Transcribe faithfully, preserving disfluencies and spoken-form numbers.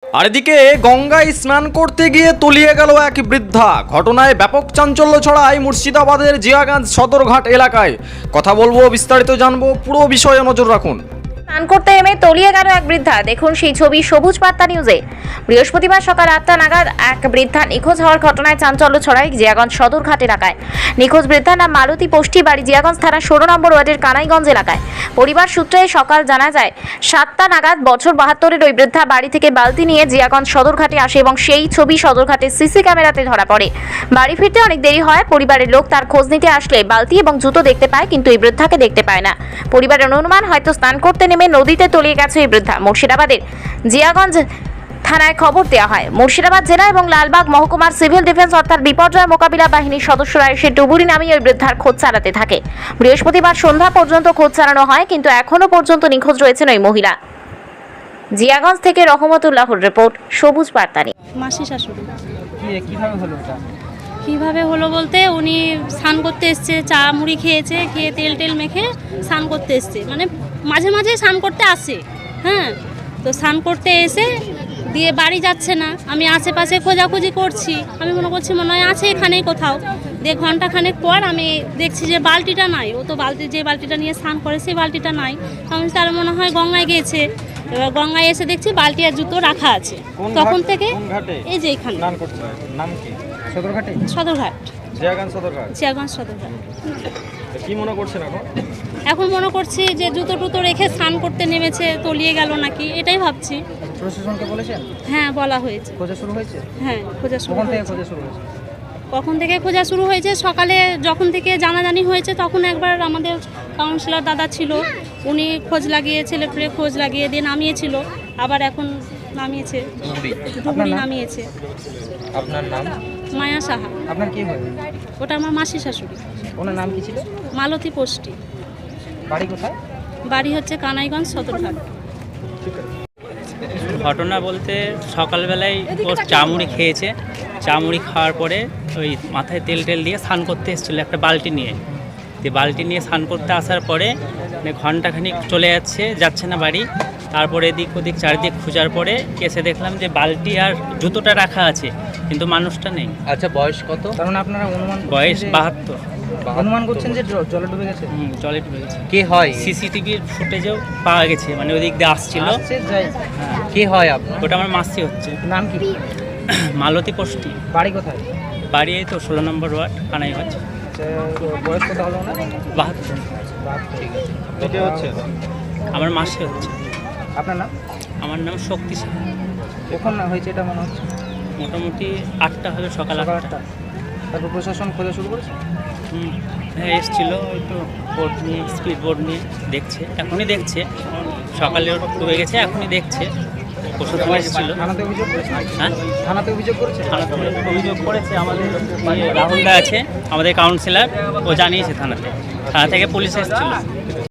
আর এদিকে গঙ্গায় স্নান করতে গিয়ে তলিয়ে গেল এক বৃদ্ধা। ঘটনায় ব্যাপক চাঞ্চল্য ছড়ায় মুর্শিদাবাদের জিয়াগঞ্জ সদরঘাট এলাকায়। কথা বলবো, বিস্তারিত জানবো, পুরো বিষয়ে নজর রাখুন। স্নান করতে এমে তলিয়ে গেল এক বৃদ্ধা। দেখুন সেই ছবি সবুজ বার্তা নিউজে। বৃহস্পতিবার সকাল আটটা নাগাদ এক বৃদ্ধা নিখোঁজ হওয়ার ঘটনায় চাঞ্চল্য ছড়ায় জিয়াগঞ্জ সদরঘাট এলাকায়। নিখোঁজ বৃদ্ধার নাম মালতী পোষ্টি, বাড়ি জিয়াগঞ্জ থানার ষোলো নম্বর ওয়ার্ডের কানাইগঞ্জ এলাকায়। পরিবার সূত্রে সকাল জানা যায় সাতটা নাগাদ বছর বাহাত্তরের ওই বৃদ্ধা বাড়ি থেকে বালতি নিয়ে জিয়াগঞ্জ সদরঘাটে আসে এবং সেই ছবি সদরঘাটের সিসি ক্যামেরাতে ধরা পড়ে। বাড়ি ফিরতে অনেক দেরি হয়। পরিবারের লোক তার খোঁজ নিতে আসলে বালতি এবং জুতো দেখতে পায়, কিন্তু এই বৃদ্ধাকে দেখতে পায় না। পরিবারের অনুমান হয়তো স্নান করতে নেমে নদীতে তলিয়ে গেছে এই বৃদ্ধা। মুর্শিদাবাদের জিয়াগঞ্জ থানায় খবর দেওয়া হয়। মুর্শিদাবাদ জেলা এবং লালবাগ মহকুমার সিভিল ডিফেন্স অর্থাৎ বিপর্যয় মোকাবিলা বাহিনীর সদস্যরা এসে ডুবুরি নামিয়ে ওই বৃদ্ধার খোঁজ চালাতে থাকে। বৃহস্পতিবার সন্ধ্যা পর্যন্ত খোঁজ চালানো হয়, কিন্তু এখনো পর্যন্ত নিখোঁজ রয়েছেন ওই মহিলা। জিয়াগঞ্জ থেকে রহমতুল্লাহর রিপোর্ট, সবুজ বার্তা নিউজ। মাসি শাশুড়ি। কি- কিভাবে হলো এটা? কীভাবে হলো বলতে, উনি স্নান করতে এসছে, চা মুড়ি খেয়েছে, খেয়ে তেল টেল মেখে স্নান করতে এসছে, মানে মাঝে মাঝে স্নান করতে আসে। হ্যাঁ, তো স্নান করতে এসে দিয়ে বাড়ি যাচ্ছে না। আমি আশেপাশে খোঁজাখুঁজি করছি, আমি মনে করছি মনে হয় আছে এখানেই কোথাও। দিয়ে ঘন্টাখানেক পর আমি দেখছি যে বালতিটা নাই। ও তো বালতি, যে বালতিটা নিয়ে স্নান করে সেই বালতিটা নাই। আমি তার মনে হয় গঙ্গায় গিয়েছে। এবার গঙ্গায় এসে দেখছি বালতি আর জুতো রাখা আছে। কোন তখন ঘাট- থেকে কোন ঘাটে এই যে এখানে স্নান করছে? নাম কি? সদরঘাটে? সদরঘাট, জিয়াগঞ্জ সদরঘাট। জিয়াগঞ্জ সদরঘাট। তো কি মনে করছেন এখন? এখন মনে করছি যে জুতো টুতো রেখে স্নান করতে নেমেছে, তলিয়ে গেল নাকি, এটাই ভাবছি। প্রশাসনকে বলেছেন? হ্যাঁ, বলা হয়েছে। খোঁজা শুরু হয়েছে? হ্যাঁ, খোঁজা শুরু কখন থেকে হয়েছে। খোঁজা শুরু হয়েছে? কখন থেকে খোঁজা শুরু হয়েছে? সকালে যখন থেকে জানাজানি হয়েছে তখন একবার আমাদের কাউন্সিলর দাদা ছিল, উনি খোঁজ লাগিয়ে, ছেলে পেলে খোঁজ লাগিয়ে দিয়ে নামিয়েছিল। আবার এখন নামিয়েছে, ডুবুরি নামিয়েছে। আপনার নাম? মায়া সাহা। আপনার কি হয়? ওটা আমার মাসি শাশুড়ি। ওনার নাম কি ছিল? মালতী পোষ্টি। বাড়ি কোথায়? বাড়ি হচ্ছে কানাইগঞ্জ সদরঘাট। ঘটনা বলতে সকালবেলায় ও চামুড়ি খেয়েছে, চামুড়ি খাওয়ার পরে ওই মাথায় তেল টেল দিয়ে স্নান করতে এসেছিলো একটা বালতি নিয়ে। তো বালতি নিয়ে স্নান করতে আসার পরে মানে ঘন্টাখানিক চলে যাচ্ছে যাচ্ছে না বাড়ি। তারপরে এদিক ওদিক চারিদিক খোঁজার পরে এসে দেখলাম যে বালতি আর জুতোটা রাখা আছে, কিন্তু মানুষটা নেই। আচ্ছা, বয়স কত? কারণ আপনারা অনুমান করছেন বয়স যে- বাহাত্তর। অনুমান করছেন যে জ- জলে ডুবে গেছে? হুম, জলে ডুবে গেছে। কে হয়? সিসিটিভির ফুটেজেও পাওয়া গেছে, মানে ওদিক দিয়ে আসছিল। আসছে, যাই। কে হয় আপনার? ওটা আমার মাসি হচ্ছে, নাম কি? মালতী পোষ্টি। বাড়ি কোথায়? বাড়ি এই তো ষোলো নম্বর ওয়ার্ড কানাইগঞ্জ। আচ্ছা, বয়স কত হলো না? বাহাত্তর। ঠিক আছে। এটা হচ্ছে আমার মাসি হচ্ছে। আপনার নাম? আমার নাম শক্তি সাহা। কখন না হয়েছে এটা মনে হচ্ছে? মোটামুটি আটটা হবে, সকাল সকাল আটটা। আটটা। তারপর প্রশাসন খোঁজা শুরু করেছে? হুম, হ্যাঁ এসেছিলো, ওই তো বোর্ড নিয়ে, স্পিড বোর্ড নিয়ে দেখছে, এখনই দেখছে। সকালে ডুবে গেছে, এখনই দেখছে। প্রশাসন এসেছিলো। থানাতে অভিযোগ করেছে? হ্যাঁ, থানাতে অভিযোগ করেছে? থানাতে অভিযোগ করেছে। আমাদের রাহুলদা আছে, আমাদের কাউন্সিলর, ও জানিয়েছে থানাতে। থানা থেকে পুলিশ এসেছিলো।